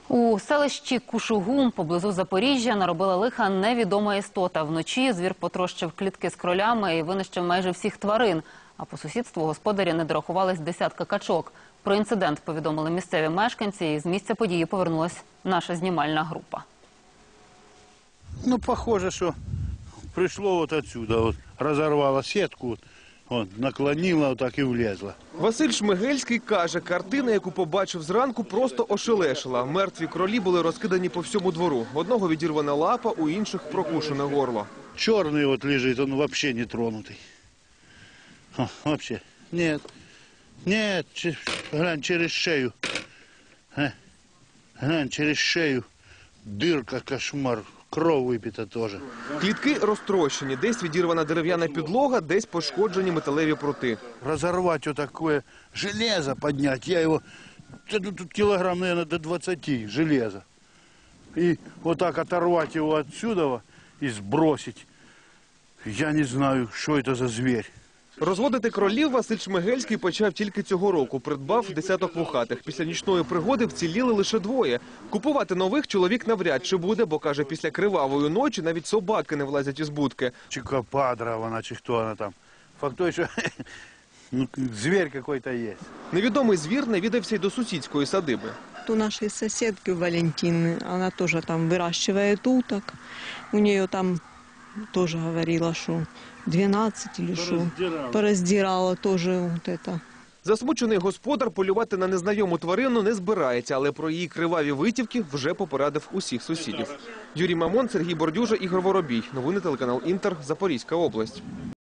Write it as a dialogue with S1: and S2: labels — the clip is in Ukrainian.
S1: У селищі Кушугум поблизу Запоріжжя наробила лиха невідома істота. Вночі звір потрощив клітки з кролями і винищив майже всіх тварин. А по сусідству господарі не дорахувались десятка качок. Про інцидент повідомили місцеві мешканці, і з місця події повернулась наша знімальна група.
S2: Ну, похоже, что пришло вот отсюда, вот разорвало сетку, вот, наклонило, вот так и влезло.
S3: Василь Шмигельський каже, картина, яку побачив зранку, просто ошелешила. Мертві кролі були розкидані по всьому двору. В одного відірвана лапа, у інших прокушене горло.
S2: Черный вот лежит, он вообще не тронутый. Вообще. Нет. Нет, глянь, через шею. Глянь, через шею. Дырка, кошмар. Кров випита теж.
S3: Клітки розтрощені, десь відірвана дерев'яна підлога, десь пошкоджені металеві прути.
S2: Разорвать вот такое железо поднять, я его, тут килограмм, наверное, до 20 железа. И вот так оторвать его отсюда и сбросить, я не знаю, что это за зверь.
S3: Розводити кролів Василь Шмигельський почав тільки цього року. Придбав десяток вухатих. Після нічної пригоди вціліли лише двоє. Купувати нових чоловік навряд чи буде, бо, каже, після кривавої ночі навіть собаки не влазять із будки.
S2: Чи кападра вона, чи хто вона там. Факт той, що зверь какой-то є.
S3: Невідомий звір навідався й до сусідської садиби.
S4: У нашей соседки Валентины, она тоже там выращивает уток. У нее там тоже говорила, что 12 или что. Пораздирала тоже вот это.
S3: Засмучений господар полювати на незнайому тварину не збирається, але про її криваві витівки вже попередив усіх сусідів. Юрій Мамон, Сергій Бордюжа, Ігор Воробій. Новини телеканал Інтер, Запорізька область.